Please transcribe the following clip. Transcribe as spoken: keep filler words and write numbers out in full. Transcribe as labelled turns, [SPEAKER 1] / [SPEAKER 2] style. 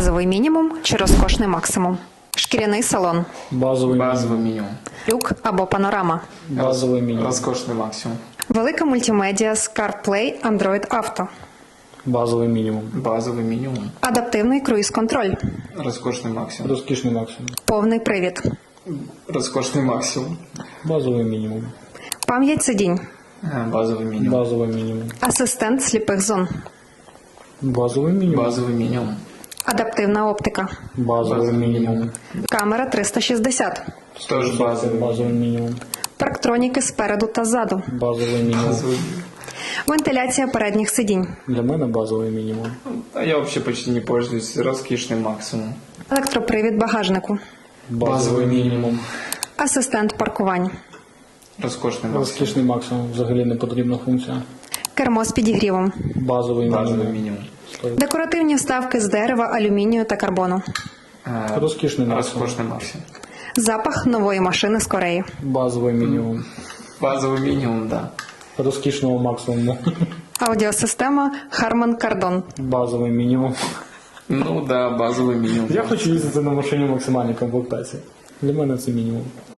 [SPEAKER 1] Базовий мінімум чи розкошний максимум? Шкіряний салон,
[SPEAKER 2] Базовий,
[SPEAKER 3] Базовий мінімум.
[SPEAKER 1] люк або панорама,
[SPEAKER 2] базовий мінімум.
[SPEAKER 3] Розкошний максимум.
[SPEAKER 1] велика мультимедіа з CarPlay Android Auto,
[SPEAKER 2] Базовий мінімум.
[SPEAKER 3] Базовий мінімум.
[SPEAKER 1] адаптивний круїз-контроль,
[SPEAKER 3] Розкошний максимум.
[SPEAKER 2] Розкішний максимум.
[SPEAKER 1] повний привід,
[SPEAKER 3] Розкошний максимум.
[SPEAKER 2] Базовий мінімум.
[SPEAKER 1] пам'ять сидінь,
[SPEAKER 3] Е, Базовий мінімум.
[SPEAKER 2] Базовий мінімум.
[SPEAKER 1] асистент сліпих зон,
[SPEAKER 2] Базовий мінімум.
[SPEAKER 3] Базовий мінімум.
[SPEAKER 1] адаптивна оптика,
[SPEAKER 2] Базовий мінімум.
[SPEAKER 1] камера триста шістдесят,
[SPEAKER 3] Тож базовий.
[SPEAKER 2] Базовий мінімум.
[SPEAKER 1] парктроніки спереду та ззаду,
[SPEAKER 2] Базовий мінімум.
[SPEAKER 3] Базовий.
[SPEAKER 1] вентиляція передніх сидінь,
[SPEAKER 2] Для мене базовий мінімум.
[SPEAKER 3] А я вообще почти не пользуюсь. Розкішний максимум.
[SPEAKER 1] електропривід багажнику,
[SPEAKER 2] Базовий мінімум.
[SPEAKER 1] асистент паркувань,
[SPEAKER 3] Розкошний максимум.
[SPEAKER 2] Розкішний максимум. Взагалі не потрібна функція.
[SPEAKER 1] кермо з підігрівом,
[SPEAKER 2] Базовий
[SPEAKER 3] Базовий
[SPEAKER 2] мінімум.
[SPEAKER 3] мінімум.
[SPEAKER 1] декоративні вставки з дерева, алюмінію та карбону,
[SPEAKER 3] Е,
[SPEAKER 2] Розкішний максимум.
[SPEAKER 3] Розкошний максимум.
[SPEAKER 1] запах нової машини з Кореї,
[SPEAKER 2] Базовий мінімум.
[SPEAKER 3] Базовий мінімум, да.
[SPEAKER 2] Розкішного максимуму.
[SPEAKER 1] аудіосистема Harman Kardon,
[SPEAKER 2] Базовий мінімум.
[SPEAKER 3] Ну да, базовий мінімум.
[SPEAKER 2] Я хочу їздити на машині максимальній комплектації. Для мене це мінімум.